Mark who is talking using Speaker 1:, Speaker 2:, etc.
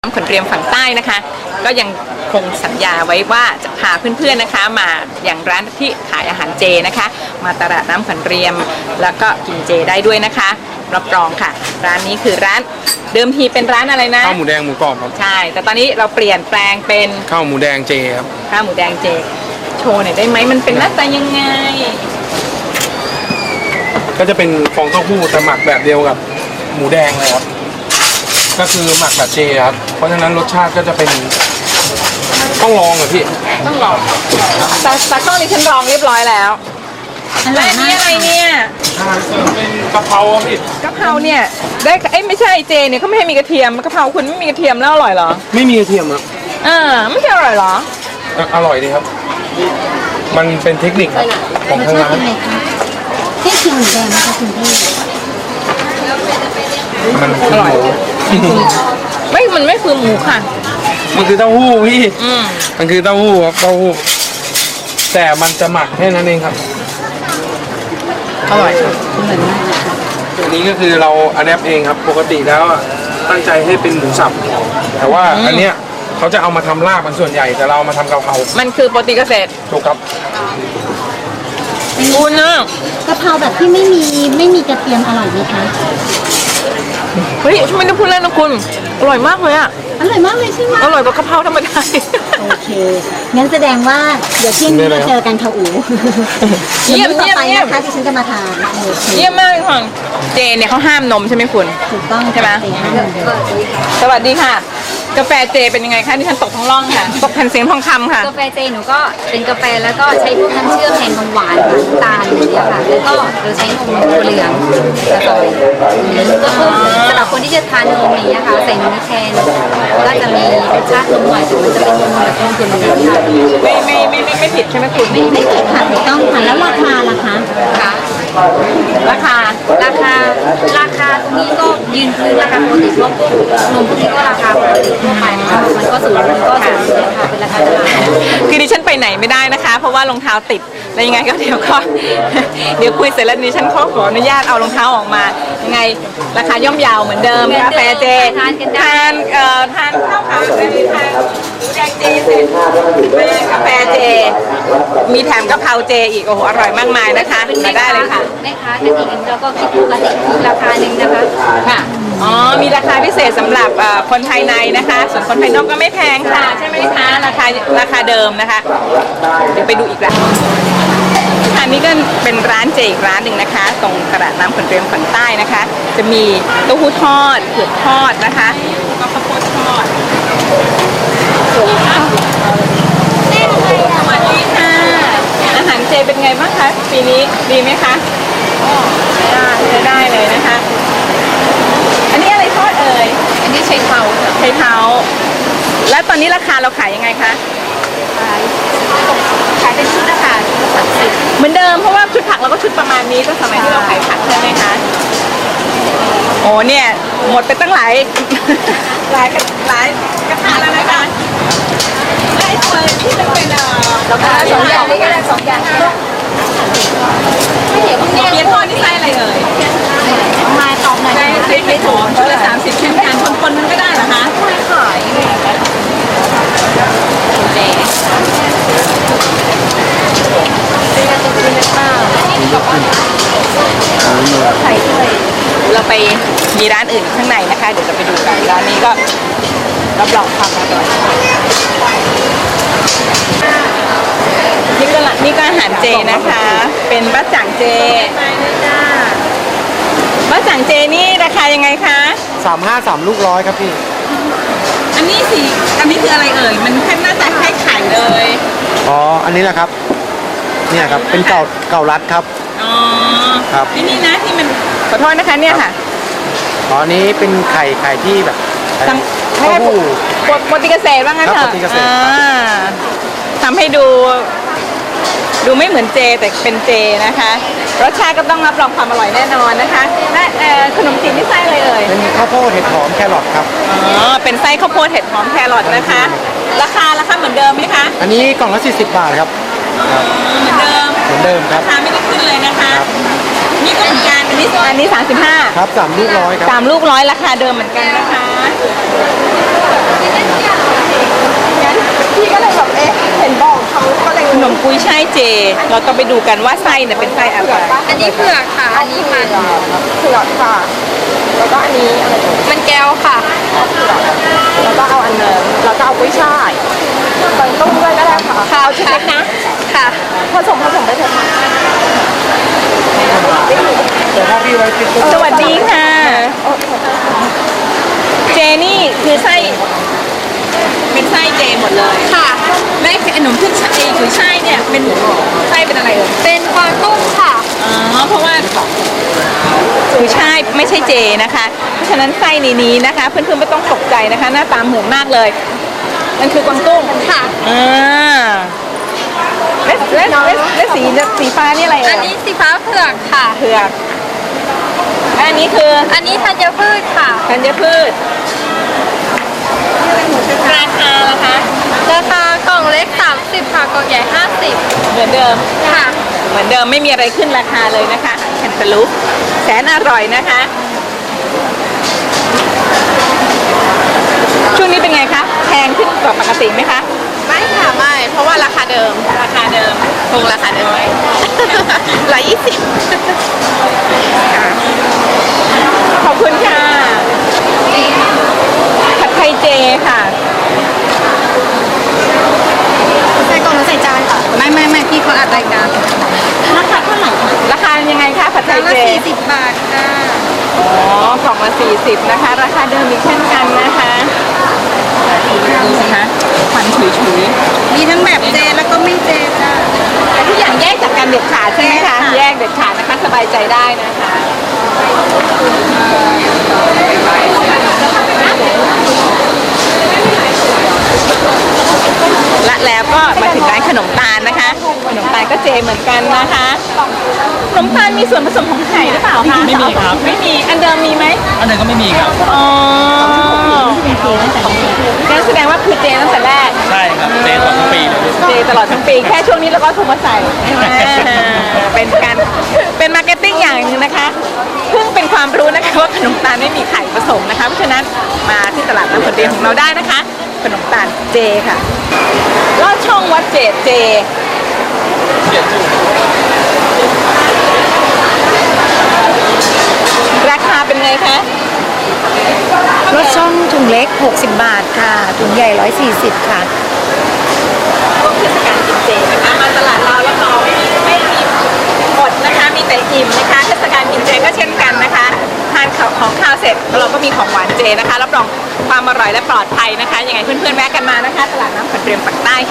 Speaker 1: น้ำขนเรียมฝั่งใต้นะคะก็ยังคงสัญญาไว้ว่าจะพาเพื่อนๆนะคะมาอย่างร้านที่ขายอาหารเจนะคะมาตลาดน้ำขนเรียมแล้วก็กินเจได้ด้วยนะคะรับรองค่ะร้านนี้คือร้านเดิมทีเป็นร้านอะไรนะ
Speaker 2: ข้าวหมูแดงหมูกรอบครับ
Speaker 1: ใช่แต่ตอนนี้เราเปลี่ยนแปลงเป็น
Speaker 2: ข้าวหมูแดงเจครับ
Speaker 1: ข้าวหมูแดงเจโชว์หน่อยได้ไหมมันเป็นหน้าตายังไง
Speaker 2: ก็จะเป็นฟองเต้าหู้แต่หมักแบบเดียวกับหมูแดงเลยครับก็คือหมักแบบเจครับเพราะฉะนั้นรสชาติก็จะเป็นต้องลองเหรอพี่
Speaker 1: ต้องลองตากล้องนี่ฉันลองเรียบร้อยแล้วและอันนี้อะไรเนี่ย
Speaker 2: เป็นกะเพราพี่
Speaker 1: กะเพราเนี่ยได้ไม่ใช่เจเนี่ยเขาไม่ให้มีกระเทียมกะเพราคุณไม่มีกระเทียมแล้วอร่อยเหรอ
Speaker 2: ไม่มีกระเทียมครับ
Speaker 1: ไม่ใช่อร่อยเหรอ
Speaker 2: อร่อยดีครับมันเป็นเทคนิคของทางร้าน
Speaker 3: ให้ชิมหมูแดงนะคะคุณพี่
Speaker 2: มันอร่อย
Speaker 1: มันไม่คือหมูค่ะ
Speaker 2: มันคือเต้าหู้พี่มันคือเต้าหู้ครับเต้าหู้แต่มันจะหมักแค่นั้นเองครับ
Speaker 1: อร่อย
Speaker 3: เหมือนมาก
Speaker 2: อันนี้ก็คือเราอัดแอปเองครับปกติแล้วตั้งใจให้เป็นหมูสับแต่ว่าอันเนี้ยเขาจะเอามาทำลาบมันส่วนใหญ่แต่เรามาทำกะเพรา
Speaker 1: มันคือโปรตีนเกษตร
Speaker 2: ถูกครับ
Speaker 1: คุณนะ
Speaker 3: กะเพราแบบที่ไม่มีกระเทียมอร่อยไหมคะ
Speaker 1: เฮ้ยไม่ได้พูดเล่นนะคุณอร่อยมากเลยอ่ะ
Speaker 3: อร่อยมากเลยใช่ไหม
Speaker 1: อร่อยกว่ากะเพราธรรมดา
Speaker 3: โอเคงั้นแสดงว่าเดี๋ยวเที่ยงนี้จะเจอกันค่ะอู๋
Speaker 1: เยี่ยม
Speaker 3: ต่อไปนะคะที่ฉันจะมาทาน
Speaker 1: เยี่ยมมากเลยค่ะเจเนี่ยเขาห้ามนมใช่ไหมคุณ
Speaker 3: ถูกต้อง
Speaker 1: ใช่ไหมสวัสดีค่ะกาแฟเจเป็นยังไงคะที่ฉันตกท้องร่องค่ะตกแผ่นเสียงทองคำค่ะ
Speaker 4: กาแฟเจหนูก็เป็นกาแฟแล้วก็ใช้พวกน้ำเชื่อมแทนนมหวานน้ำตาลอย่างเงี้ยค่ะแล้วก็เราใช้นมถั่วเหลืองผสมก็คือสำหรับคนที่จะทานนมอย่างเงี้ยค่ะใส่นมแทนก็จะมีรสชาตินมหน่อยแต่มันจะเป็นนมแบบนมถั่วเหลืองค่ะ
Speaker 1: ไม่ผิดใช่ไหมคุณ
Speaker 3: ไม่ผิดค่ะถูกต้องค่ะแล้วราคาล่ะคะ
Speaker 4: ค่ะ
Speaker 1: ราคา
Speaker 4: ตรงนี้ก็ยืนพื้นราคาปกติเพราะพวกนมพวกนี้ก็ราคาปกติทั่วไปนะคะมันก็สูงมันก็สูงเลยค่ะเป็นราคาตลาด
Speaker 1: คือดิฉันไปไหนไม่ได้นะคะเพราะว่ารองเท้าติดแล้วยังไงก็เดี๋ยวคุยเสร็จแล้วดิฉันขออนุญาตเอารองเท้าออกมายังไงราคาย่อมเยาวเหมือนเดิมกาแฟเจทานข้าวขาวทานหมูแดงเจเสร็จกาแฟเจมีแถมกะเพราเจอีกโอ้โหอร่อยมากมายนะคะมาได้เลยค่ะ
Speaker 4: แม่ค้ากันอีกแล้วก็คิดปกติราคาหนึ่งนะคะ
Speaker 1: ค่ะมีราคาพิเศษสำหรับคนภายในนะคะส่วนคนภายนอกก็ไม่แพงค่ะใช่ไหมคะราคาเดิมนะคะเดี๋ยวไปดูอีกร้านอันนี้ก็เป็นร้านเจอีกร้านหนึ่งนะคะตรงตลาดน้ำขนเรียมฝั่งใต้นะคะจะมีเต้าหู้ทอดเผือกทอดนะคะก็ข้าวโพดทอดสวัสดีค่ะอาหารเจเป็นไงบ้างคะปีนี้ดีไหมคะใช้ได้เลยนะคะอันนี้อะไรทอดเอ่ย
Speaker 4: อันนี้ใช้เท้า
Speaker 1: แล้วตอนนี้ราคาเราขายยังไงคะ
Speaker 4: ขายเป็นชุดนะคะ30
Speaker 1: เหมือนเดิมเพราะว่าชุดผักเราก็ชุดประมาณนี้ตั้งสมัยที่เราขายผักใช่ไหมคะโอ้เนี่ยหมดไปตั้งหลายกระทะแล้วนะคะไอ้ตัวที่จะเป็น
Speaker 4: แล้วก็2 อย่างนี้ก็ได้2 อย่าง
Speaker 1: เปี๊ยะทอดนี่ไส้อะไรเอ่ย
Speaker 4: มาตอบหน่อย
Speaker 1: ไส้ไม่ถูกชุดละ30เช่นกันคนมันก็ได้เหรอคะ
Speaker 4: ไม่ขาย
Speaker 1: เราไปมีร้านอื่นข้างในนะคะเดี๋ยวจะไปดูกันร้านนี้ก็รับรองความอร่อยนี่ก็อาหารเจนะคะเป็นบะจ่างเจบะจ่างเจนี่ราคายังไงคะ
Speaker 2: 3 ลูก100ครับพี่
Speaker 1: อันนี้คืออะไรเอ่ยมันแค่หน้าตาคล้ายไข่เลย
Speaker 2: อันนี้แหละครับเนี่ยครับเป็นเก่ารัดครับ
Speaker 1: ครับนี่นะที่มันขอโทษนะคะเนี่ยค่ะ
Speaker 2: อันนี้เป็นไข่ที่แบบเต้าหู้
Speaker 1: โปรตีนเกษตรว่างั้นเถอะทำให้ดูไม่เหมือนเจแต่เป็นเจนะคะรสชาติก็ต้องรับรองความอร่อยแน่นอนนะคะและขนมจีนนี่ไส้อะไรเอ่ย
Speaker 2: เป็นข้าวโพดเห็ดหอมแครอทครับ
Speaker 1: เป็นไส้ข้าวโพดเห็ดหอมแครอทนะคะราคาเหมือนเดิมไหมคะ
Speaker 2: อันนี้กล่องละ40 บาทครับ
Speaker 1: เหมือนเดิม
Speaker 2: ครับ
Speaker 1: ราคาไม่ได้ขึ้นเลยนะคะนี่ก็เหมือนกันอันนี้35
Speaker 2: ครับ3 ลูก100ครับ
Speaker 1: 3 ลูก100ราคาเดิมเหมือนกันนะคะกุ้ยช่ายเจ เราต้องไปดูกันว่าไส้เนี่ยเป็นไส้อะไร
Speaker 4: อันนี้เผือกค่ะ อันนี้มัน
Speaker 5: เผือกค่ะ แล้วก็อันนี้อะไร
Speaker 4: มันแก้วค่ะ
Speaker 5: แล้วก็เอาอันเดิมแล้วก็เอากุ้ยช่ายใส่ต้มด้วยก็ได้ค่ะ
Speaker 4: ข้าวชุดเล็กนะ ค่ะ
Speaker 5: ผสมไปเถอะค่ะ
Speaker 2: แต่ถ้าพี่ไว้ติดก็
Speaker 1: สวัสดีค่ะ เจนี่คือไส้เป็นไส้เจหมดเลย
Speaker 4: ค่ะ
Speaker 1: และไอ้ขนมขึ้นช่ายกุยช่ายเนี่ยเป็นไส้เป็นอะไรเอ่ย
Speaker 4: เป็นกวางตุ้งค่ะ
Speaker 1: อ๋อเพราะว่ากุยช่ายไม่ใช่เจนะคะ เพราะฉะนั้นไส้ในนี้นะคะ เพื่อนๆไม่ต้องตกใจนะคะ หน้าตาเหมือนมากเลย มันคือกวางตุ้ง
Speaker 4: ค่ะ
Speaker 1: และสีฟ้านี่อะไร
Speaker 4: อั
Speaker 1: เอ่
Speaker 4: น
Speaker 1: ย
Speaker 4: นี้สีฟ้าเผือกค่ะ
Speaker 1: เผือกอันนี้คือ
Speaker 4: อันนี้ธัญพืชค่ะ
Speaker 1: ธัญพืชราคาล่ะคะ
Speaker 4: ราคากล่องเล็ก 30 ค่ะ กล่องใหญ่
Speaker 1: เหมือนเดิม
Speaker 4: 50 ค่ะ
Speaker 1: เหมือนเดิมไม่มีอะไรขึ้นราคาเลยนะคะแคนตาลูปแสนอร่อยนะคะ ช่วงนี้เป็นไงคะแพงขึ้นกว่าปกติไหมคะ
Speaker 5: ไม่ค่ะไม่ เพราะว่าราคาเดิม
Speaker 1: ราคาเดิม
Speaker 5: คงราคาเดิมไหม120
Speaker 1: ขอบคุณค่ะผัดไทยเจค่ะ
Speaker 4: ใส่กล่องหรือใส่จานค่ะ ไม่พี่เขาอัดรายการ
Speaker 3: ราคาเท่าไหร่คะ
Speaker 1: ราคายังไงคะผัดไท
Speaker 4: จาย นละ
Speaker 1: เจ
Speaker 4: 40 บาทค่ะ
Speaker 1: อ๋อกล่องละ40นะคะ ราคาเดิมอีกเช่นกันนะคะดูนะคะควันฉุยๆ
Speaker 4: มีทั้งแบบเจแล้วก็ไม่เจจ้า
Speaker 1: แต่ทุกอย่างแยกจากกันเด็ดขาดใช่ไหมคะ แยกเด็ดขาดนะคะสบายใจได้นะคะ และแล้วก็มาถึงร้านขนมตาลนะคะ ขนมตาลก็เจเหมือนกันนะคะ ขนมตาลมีส่วนผสมของไข่หรือเปล่าคะ
Speaker 6: ไม่มีครับ
Speaker 1: ไม่มี อันเดิมมีไหม
Speaker 6: อันนั้นก็ไม่มีครับ
Speaker 1: อ๋องั้นแสดงว่าคือเจตั้งแต่แรก
Speaker 6: ใช่ครับเจตลอดทั้งปีเลย
Speaker 1: เจตลอดทั้งปีแค่ช่วงนี้แล้วก็ถูกมาใส่เป็นการเป็นมาร์เก็ตติ้งอย่างหนึงนะคะเพิ่งเป็นความรู้นะคะว่าขนมตาลไม่มีไข่ผสมนะคะเพราะฉะนั้นมาที่ตลาดน้ำผลเดียของเราได้นะคะ ขนมตาลเจค่ะลอดช่องวัดเจดเจ ราคาเป็นไงคะ
Speaker 3: รสช่องถุงเล็ก 60 บาทค่ะ ถุงใหญ่ 140 ค่ะ
Speaker 1: ช่วงเทศกาลกินเจนะคะมาตลาดเราแล้วเราไม่มีอดนะคะมีแต่อิ่มนะคะเทศกาลกินเจก็เช่นกันนะคะทานของข้าวเสร็จเราก็มีของหวานเจนะคะรับรองความอร่อยและปลอดภัยนะคะยังไงเพื่อนๆแวะกันมานะคะตลาดน้ำขวัญเรียมปากใต้